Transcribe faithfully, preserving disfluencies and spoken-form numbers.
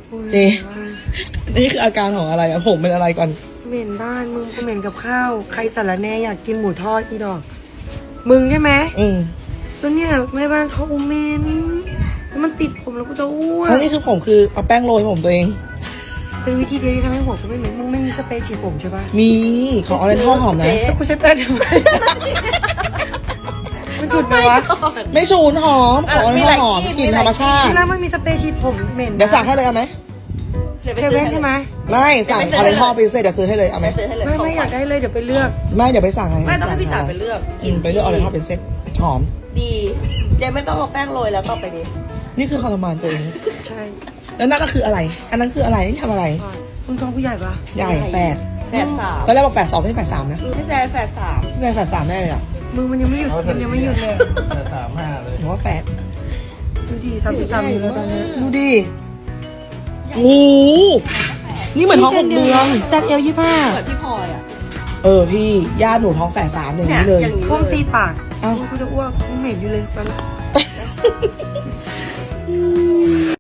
เจนี่คืออาการของอะไรอะผมเป็นอะไรก่อนเหม็นบ้านมึงก็เหม็นกับข้าวใครสารแหน่อยากกินหมูทอดอีดอกมึงใช่ไหมอืมตัวเนี้ยแม่บ้านเขาเหม็นมันติดผมแล้วก็จะอ้วนแล้วนี่คือผมคือเอาแป้งโรยผมตัวเองเป็นวิธีเดียวที่ทำให้หัวกูไม่เหม็นมึงไม่มีสเปรย์ฉีดผมใช่ปะมีของอะไรทอดหอมนะแล้วกูใช้แป้งทำไมมันฉุดไหมวะไม่ชูนหอมของอะไรทอดหอมกลิ่นธรรมชาติแล้วมันมีสเปรย์ฉีดผมเหม็นเดี๋ยวสั่งให้เลยเอาไหมเซเว่นใช่ไหมไม่สั่งอะไรทอดไปเสร็จเดี๋ยวซื้อให้เลยเอาไหมไม่ไม่อยากได้เลยเดี๋ยวไปเลือกไม่เดี๋ยวไปสั่งให้ไม่ต้องให้พี่จ๋าไปเลือกกินไปเลือกอะไรทอดเป็นเซ็ตหอมดีเจไม่ต้องเอาแป้งโรยแล้วต่อไปนี้นี่คือทรมานตัวเองใช่แล้วนั่นก็คืออะไรอันนั้นคืออะไรนี่ทำอะไรมึงท้องผู้ใหญ่ปะใหญ่แฝดแฝดสามตอนแรกบอกแฝดสองไม่ใช่แฝดสามนะไม่ใช่แฝดสามไม่ใช่แฝดสามได้เลยอ่ะมึงมันยังไม่หยุดมันยังไม่หยุดเลยแฝดสามห้าเลยหรือว่าแฝดดูดิสามสิบสามอยู่แล้วตอนนี้ดูดิโอ้นี่เหมือนท้องหกเดือนจากเอลยี่ห้าเหมือนพี่พลอยอ่ะเออพี่ญาติหนูท้องแฝดสามอย่างนี้เลยพ่อตีปากเอ้ากูจะอ้วกกูเหม็นอยู่เลยไปละ